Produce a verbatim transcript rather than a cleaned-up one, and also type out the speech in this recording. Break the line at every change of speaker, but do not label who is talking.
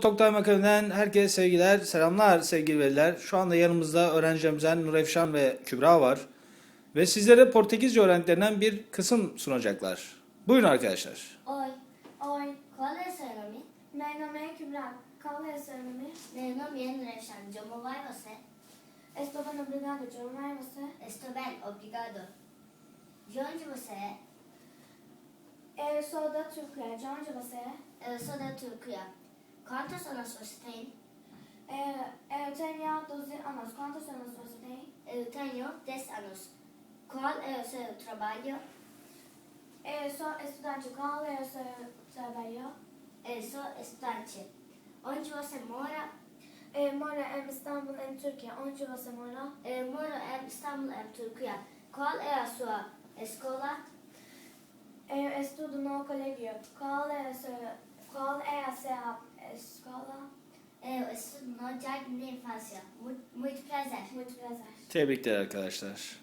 Toktay Makabe'den herkese sevgiler, selamlar sevgili veliler. Şu anda yanımızda öğrencilerimizden Nurefşan ve Kübra var. Ve sizlere Portekizce öğrendiklerinin bir kısım sunacaklar. Buyurun arkadaşlar.
Oi, oi, qual é seu nome?
Meu nome é Kübra. Qual é seu nome?
Meu nome é Nurefşan. Como vai você?
Estou bem, obrigado. Como é você?
Estou bem, obrigado. De onde você é?
Eu sou da Turquia. De onde você é?
Eu sou da Turquia. Quantos anos você tem?
Eu, eu tenho doze anos. Quantos anos você tem?
Eu tenho dez anos. Qual é o seu trabalho?
Eu sou estudante. Qual é o seu trabalho?
Eu sou estudante. Onde você mora?
Eu moro em Istambul, em Türkiye. Onde você mora?
Eu moro em Istambul, em Turquia. Qual é a sua escola?
Eu estudo no colégio. Qual é a sua, qual é a sua escola?
Eu estudo no Jardim de Infância. Muito, muito prazer.
Muito prazer.
Tebrikler arkadaşlar.